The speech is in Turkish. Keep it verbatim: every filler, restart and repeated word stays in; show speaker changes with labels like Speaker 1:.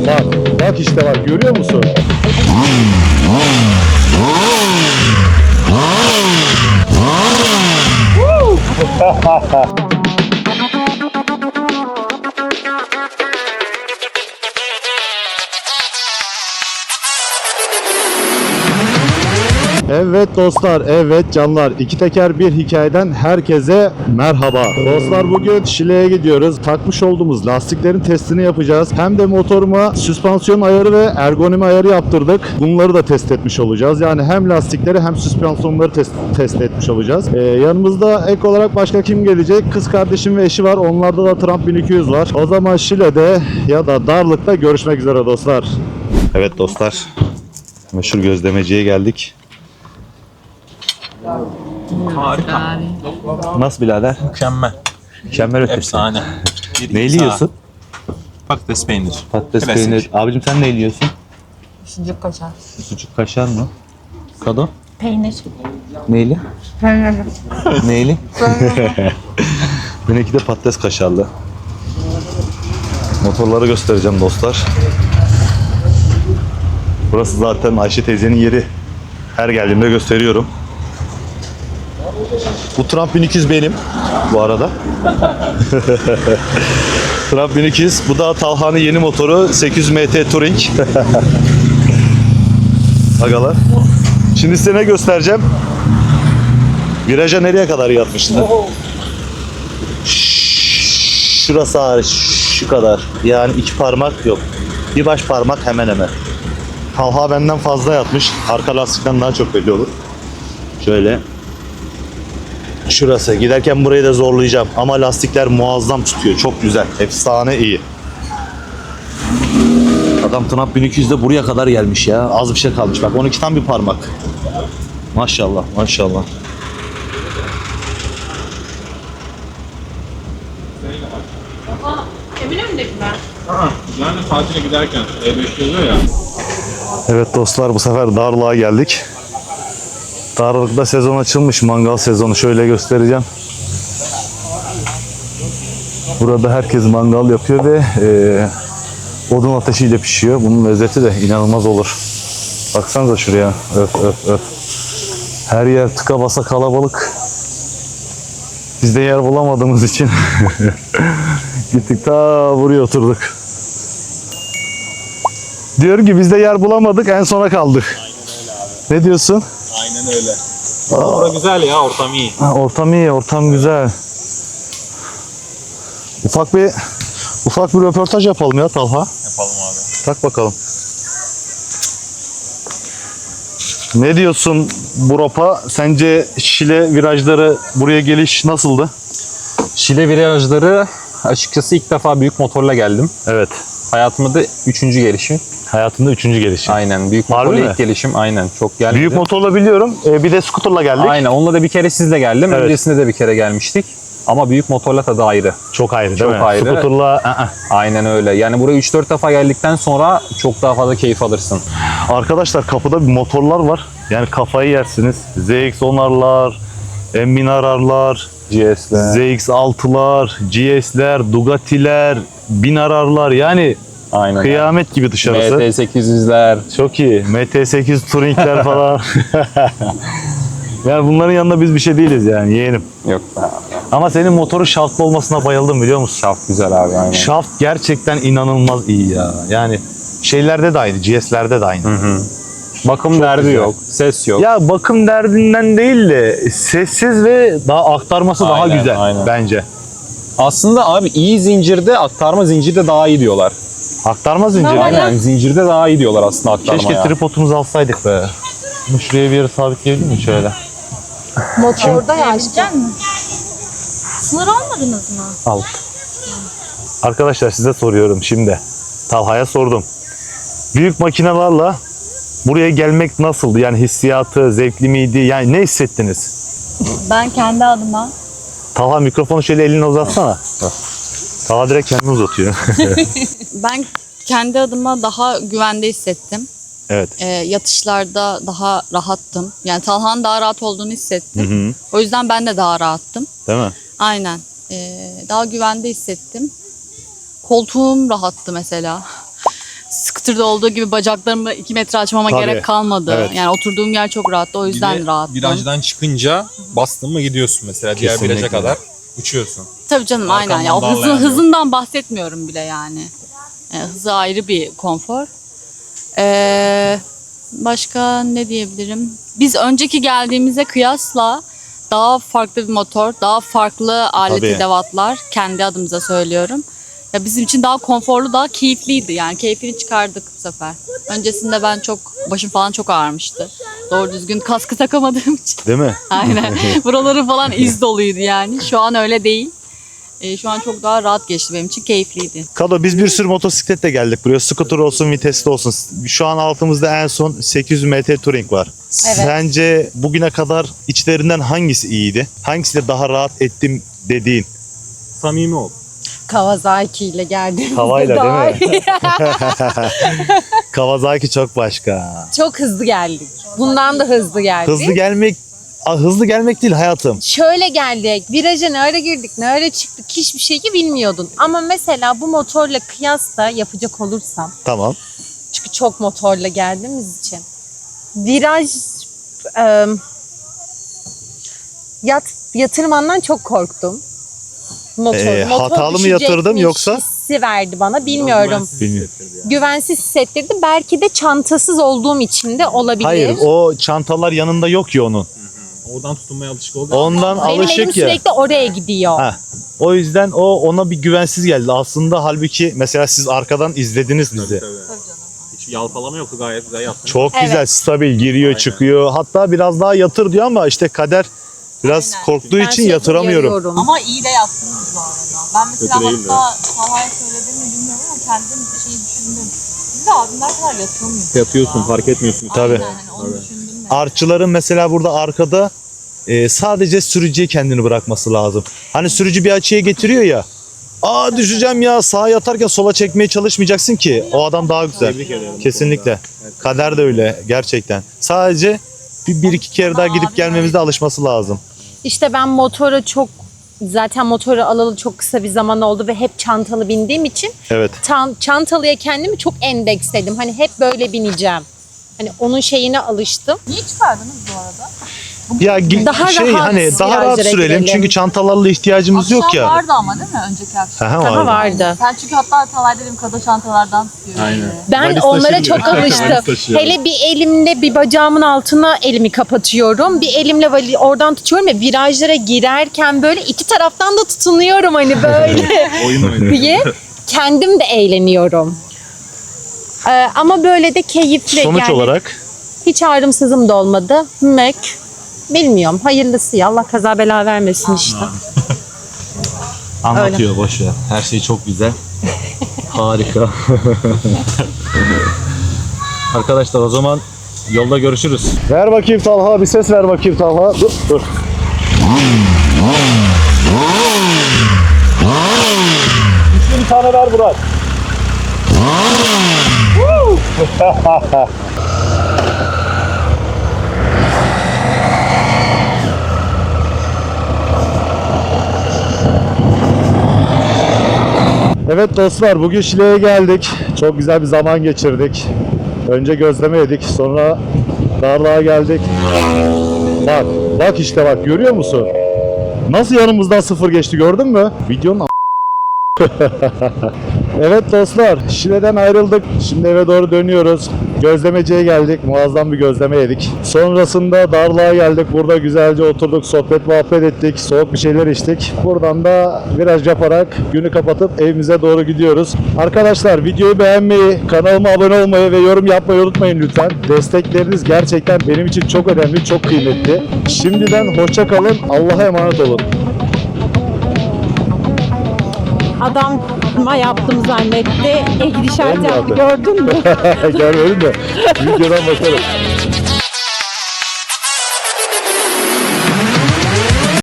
Speaker 1: Bak, bak işte bak, görüyor musun? Evet dostlar, evet canlar. İki teker bir hikayeden herkese merhaba. Dostlar bugün Şile'ye gidiyoruz. Takmış olduğumuz lastiklerin testini yapacağız. Hem de motoruma süspansiyon ayarı ve ergonomi ayarı yaptırdık. Bunları da test etmiş olacağız. Yani hem lastikleri hem süspansiyonları test, test etmiş olacağız. Ee, yanımızda ek olarak başka kim gelecek? Kız kardeşim ve eşi var. Onlarda da Trump bin iki yüz var. O zaman Şile'de ya da Darlık'ta görüşmek üzere dostlar. Evet dostlar. Meşhur gözlemeciye geldik.
Speaker 2: Harika.
Speaker 1: Nasıl birader?
Speaker 2: Mükemmel.
Speaker 1: Mükemmel ötesi.
Speaker 2: Efsane. Bir
Speaker 1: Neyi
Speaker 2: imza.
Speaker 1: yiyorsun?
Speaker 2: Patates peynir.
Speaker 1: Patates
Speaker 2: Klasik.
Speaker 1: peynir. Abicim sen ne yiyorsun?
Speaker 3: Sucuk kaşar.
Speaker 1: Sucuk kaşar mı? Kado?
Speaker 3: Peynir.
Speaker 1: Neyli?
Speaker 3: Peynir.
Speaker 1: Neyli? Benimki de patates kaşarlı. Motorları göstereceğim dostlar. Burası zaten Ayşe teyzenin yeri. Her geldiğimde gösteriyorum. Bu Trump bin iki yüz benim bu arada. Trump bin iki yüz. Bu da Talha'nın yeni motoru sekiz yüz M T Touring. Agalar. Şimdi size ne göstereceğim? Viraja nereye kadar yatmıştı? Şurası hariç şu kadar. Yani iki parmak yok. Bir baş parmak hemen hemen. Talha benden fazla yatmış. Arka lastikten daha çok belli olur. Şöyle. Şurası. Giderken burayı da zorlayacağım. Ama lastikler muazzam tutuyor. Çok güzel. Efsane iyi. Adam Trump bin iki yüzde buraya kadar gelmiş ya. Az bir şey kalmış. Bak on ikiden bir parmak. Maşallah. Maşallah.
Speaker 3: Eminönü'ndekiler.
Speaker 2: Aa, yani tatile giderken E beş yazıyor ya.
Speaker 1: Evet dostlar, bu sefer Darlık'a geldik. Darlık'ta sezon açılmış, mangal sezonu. Şöyle göstereceğim. Burada herkes mangal yapıyor ve e, odun ateşiyle pişiyor. Bunun lezzeti de inanılmaz olur. Baksanıza şuraya. Öf öf öf. Her yer tıka basa kalabalık. Biz de yer bulamadığımız için gittik ta buraya oturduk. Diyorum ki biz de yer bulamadık, en sona kaldık. Ne diyorsun?
Speaker 2: Aynen öyle. Orası güzel ya, ortam iyi.
Speaker 1: Ha, ortam iyi, ortam güzel. Ufak bir ufak bir röportaj yapalım ya Talha.
Speaker 2: Yapalım abi.
Speaker 1: Tak bakalım. Ne diyorsun bu ropa? Sence Şile virajları buraya geliş nasıldı?
Speaker 4: Şile virajları açıkçası ilk defa büyük motorla geldim.
Speaker 1: Evet.
Speaker 4: Hayatımda üçüncü gelişim.
Speaker 1: Hayatında üçüncü gelişi.
Speaker 4: Aynen. Büyük
Speaker 1: Harbi
Speaker 4: motorla
Speaker 1: mi?
Speaker 4: ilk gelişim. Aynen. Çok gelmedi.
Speaker 1: Büyük motorla biliyorum. Ee, bir de scooterla geldik.
Speaker 4: Aynen. Onunla da bir kere sizle geldim.
Speaker 1: Evet.
Speaker 4: Öncesinde de bir kere gelmiştik. Ama büyük motorla tadı ayrı.
Speaker 1: Çok ayrı değil
Speaker 4: Çok
Speaker 1: mi?
Speaker 4: ayrı.
Speaker 1: Scooterla ı-ı.
Speaker 4: Aynen öyle. Yani buraya üç dört defa geldikten sonra çok daha fazla keyif alırsın.
Speaker 1: Arkadaşlar kapıda bir motorlar var. Yani kafayı yersiniz. Z X onlarlar, M bin ararlar,
Speaker 4: G S'ler.
Speaker 1: Z X altılar, G S'ler, Ducati'ler, bin ararlar. Yani
Speaker 4: Aynen.
Speaker 1: kıyamet gibi dışarısı.
Speaker 4: M T sekiz yüzler.
Speaker 1: Çok iyi. M T sekiz Touring'ler falan. Yani bunların yanında biz bir şey değiliz yani, yeğenim.
Speaker 4: Yok.
Speaker 1: Ama senin motorun şaftlı olmasına bayıldım, biliyor musun?
Speaker 4: Şaft güzel abi. Aynen.
Speaker 1: Şaft gerçekten inanılmaz iyi ya. Yani şeylerde de aynı, G S'lerde de aynı.
Speaker 4: Hı hı. Bakım derdi
Speaker 1: güzel.
Speaker 4: yok. Ses yok.
Speaker 1: Ya bakım derdinden değil de sessiz ve daha aktarması daha
Speaker 4: Aynen,
Speaker 1: güzel
Speaker 4: aynen.
Speaker 1: bence.
Speaker 4: Aslında abi iyi zincirde, aktarma zincirde daha iyi diyorlar.
Speaker 1: Aktarma zinciri.
Speaker 3: Normal.
Speaker 4: Aynen. Zincirde daha iyi diyorlar aslında aktarmaya.
Speaker 1: Keşke tripodumuzu alsaydık be. Bunu şuraya bir yere sabitleyebilir miyim şöyle?
Speaker 3: Motorda ya işte. Sınır almadınız mı?
Speaker 1: Al. Arkadaşlar size soruyorum şimdi. Talha'ya sordum. Büyük makinelerle buraya gelmek nasıldı? Yani hissiyatı, zevkli miydi? Yani ne hissettiniz?
Speaker 3: Ben kendi adıma
Speaker 1: Talha mikrofonu şöyle eline uzatsana. Talha direkt kendini uzatıyor.
Speaker 5: Ben kendi adıma daha güvende hissettim.
Speaker 1: Evet.
Speaker 5: Ee, yatışlarda daha rahattım. Yani Talha'nın daha rahat olduğunu hissettim.
Speaker 1: Hı hı.
Speaker 5: O yüzden ben de daha rahattım.
Speaker 1: Değil mi?
Speaker 5: Aynen. Ee, daha güvende hissettim. Koltuğum rahattı mesela. scooter'da olduğu gibi bacaklarımı iki metre açmama
Speaker 1: Tabii.
Speaker 5: gerek kalmadı.
Speaker 1: Evet.
Speaker 5: Yani oturduğum yer çok rahattı. O yüzden rahattım.
Speaker 2: Virajdan çıkınca bastın mı gidiyorsun mesela diğer
Speaker 1: Kesinlikle.
Speaker 2: viraja kadar uçuyorsun.
Speaker 5: Tabii canım aynen.
Speaker 2: Arkamdan
Speaker 5: Ya, o hızın,
Speaker 2: darlayan yok.
Speaker 5: hızından bahsetmiyorum bile yani. Yani hızı ayrı bir konfor. Ee, başka ne diyebilirim? Biz önceki geldiğimize kıyasla daha farklı bir motor, daha farklı alet
Speaker 1: Tabii.
Speaker 5: edevatlar, kendi adımıza söylüyorum. Ya bizim için daha konforlu, daha keyifliydi yani. Keyfini çıkardık bu sefer. Öncesinde ben çok, başım falan çok ağrımıştı. Doğru düzgün kaskı takamadığım için.
Speaker 1: Değil mi?
Speaker 5: Aynen. Buraları falan iz doluydu yani. Şu an öyle değil. Ee, şu an çok daha rahat geçti benim için. Keyifliydi.
Speaker 1: Kado biz bir sürü motosikletle geldik buraya. Scooter olsun, vitesli olsun. Şu an altımızda en son sekiz yüz M T Touring var. Sence bugüne kadar içlerinden hangisi iyiydi? Hangisiyle daha rahat ettim dediğin?
Speaker 2: Samimi ol.
Speaker 3: Kawasaki ile geldiğimizde
Speaker 1: Havayla
Speaker 3: daha
Speaker 1: değil mi?
Speaker 3: iyi.
Speaker 1: Kawasaki çok başka.
Speaker 3: Çok hızlı geldik. Bundan da hızlı geldik.
Speaker 1: Hızlı gelmek Aa, hızlı gelmek değil hayatım.
Speaker 3: Şöyle geldik. Viraja ne ara girdik, ne ara çıktık hiçbir şeyi bilmiyordun. Ama mesela bu motorla kıyasla yapacak olursam,
Speaker 1: Tamam.
Speaker 3: çünkü çok motorla geldiğimiz için, viraj e, yat, yatırmandan çok korktum. Motor,
Speaker 1: Ee,
Speaker 3: motor
Speaker 1: hatalı mı
Speaker 3: düşecekmiş
Speaker 1: yatırdım yoksa?
Speaker 3: hissi verdi bana, bilmiyorum.
Speaker 1: Bilmiyorum.
Speaker 3: Güvensiz hissettirdi. Belki de çantasız olduğum için de olabilir.
Speaker 1: Hayır o çantalar yanında yok ki onun.
Speaker 2: Oradan tutunmaya alışık oldun.
Speaker 1: Ondan
Speaker 3: Benim elim
Speaker 1: alışık ya.
Speaker 3: sürekli oraya gidiyor.
Speaker 1: Heh. O yüzden o ona bir güvensiz geldi. Aslında halbuki mesela siz arkadan izlediniz bizi.
Speaker 2: Hiç yalpalama yoktu, gayet güzel yaptın.
Speaker 1: Çok
Speaker 3: Evet.
Speaker 1: güzel, stabil giriyor,
Speaker 2: Aynen.
Speaker 1: çıkıyor. Hatta biraz daha yatır diyor ama işte kader biraz
Speaker 5: Aynen.
Speaker 1: korktuğu
Speaker 3: Ben
Speaker 1: için
Speaker 3: sürekli
Speaker 1: yatıramıyorum.
Speaker 3: uyarıyorum.
Speaker 5: Ama iyi de yaptınız bu arada. Ben mesela
Speaker 2: Kötü değildi.
Speaker 5: hatta Talha'ya söyledim mi bilmiyorum ama kendim şeyi düşündüm. Biz de abimler kadar yatıyor muyuz?
Speaker 2: Yatıyorsun, fark etmiyorsun.
Speaker 1: Tabii.
Speaker 5: Aynen, hani onu düşündüm de.
Speaker 1: Artçıların mesela burada arkada e, sadece sürücüye kendini bırakması lazım. Hani sürücü bir açıya getiriyor ya. Aa düşeceğim ya, sağa yatarken sola çekmeye çalışmayacaksın ki. O adam daha güzel.
Speaker 2: Tebrik ederim.
Speaker 1: Kesinlikle. Kader de öyle gerçekten. Sadece bir, bir iki kere daha gidip gelmemizde alışması lazım.
Speaker 3: İşte ben motora çok, zaten motoru alalı çok kısa bir zaman oldu ve hep çantalı bindiğim için
Speaker 1: Evet.
Speaker 3: tan- çantalıya kendimi çok endeksledim. Hani hep böyle bineceğim. Hani onun şeyine alıştım.
Speaker 5: Niye çıkardınız bu arada?
Speaker 1: Ya gi-
Speaker 3: Daha
Speaker 1: şey
Speaker 3: rahat
Speaker 1: hani daha rahat
Speaker 3: virajlara
Speaker 1: sürelim
Speaker 3: girelim.
Speaker 1: çünkü çantalarla ihtiyacımız yok
Speaker 5: Akşam
Speaker 1: ya.
Speaker 5: vardı ama değil mi önceki akşam?
Speaker 1: Aha,
Speaker 3: Daha
Speaker 1: vardı.
Speaker 3: vardı.
Speaker 5: Sen çünkü hatta Talay dedim kada çantalardan tutuyor.
Speaker 2: Aynen.
Speaker 3: Ben
Speaker 1: Valiz
Speaker 3: onlara
Speaker 1: taşımıyor.
Speaker 3: çok alıştım.
Speaker 2: Valiz taşıyor.
Speaker 3: Hele bir elimle bir bacağımın altına elimi kapatıyorum. Bir elimle vali- oradan tutuyorum ve virajlara girerken böyle iki taraftan da tutunuyorum hani böyle
Speaker 2: Oyun oynuyor.
Speaker 3: diye. Kendim de eğleniyorum. Ee, ama böyle de keyifli.
Speaker 1: Sonuç
Speaker 3: yani
Speaker 1: olarak
Speaker 3: hiç ağrımsızım da olmadı. Mek. Bilmiyorum. Hayırlısı ya. Allah kaza bela vermesin işte.
Speaker 1: anlatıyor boş ver. Her şey çok güzel. Harika. Arkadaşlar o zaman yolda görüşürüz. Ver bakayım Talha, bir ses ver bakayım Talha. Dur dur. Güçlü bir tane ver Burak. Evet dostlar, bugün Şile'ye geldik. Çok güzel bir zaman geçirdik. Önce gözleme yedik, sonra Darlığa geldik. Bak, bak işte bak, görüyor musun? Nasıl yanımızdan sıfır geçti, gördün mü? Videonun a- Evet dostlar, Şile'den ayrıldık. Şimdi eve doğru dönüyoruz. Gözlemeciye geldik. Muazzam bir gözleme yedik. Sonrasında Darlığa geldik. Burada güzelce oturduk, sohbet muhabbet ettik. Soğuk bir şeyler içtik. Buradan da viraj yaparak günü kapatıp evimize doğru gidiyoruz. Arkadaşlar videoyu beğenmeyi, kanalıma abone olmayı ve yorum yapmayı unutmayın lütfen. Destekleriniz gerçekten benim için çok önemli, çok kıymetli. Şimdiden hoşça kalın. Allah'a emanet olun.
Speaker 3: Adama yaptım zannetti. E gidişat
Speaker 1: Olmadı.
Speaker 3: yaptı. Gördün mü?
Speaker 1: Görmedim de videodan bakarım.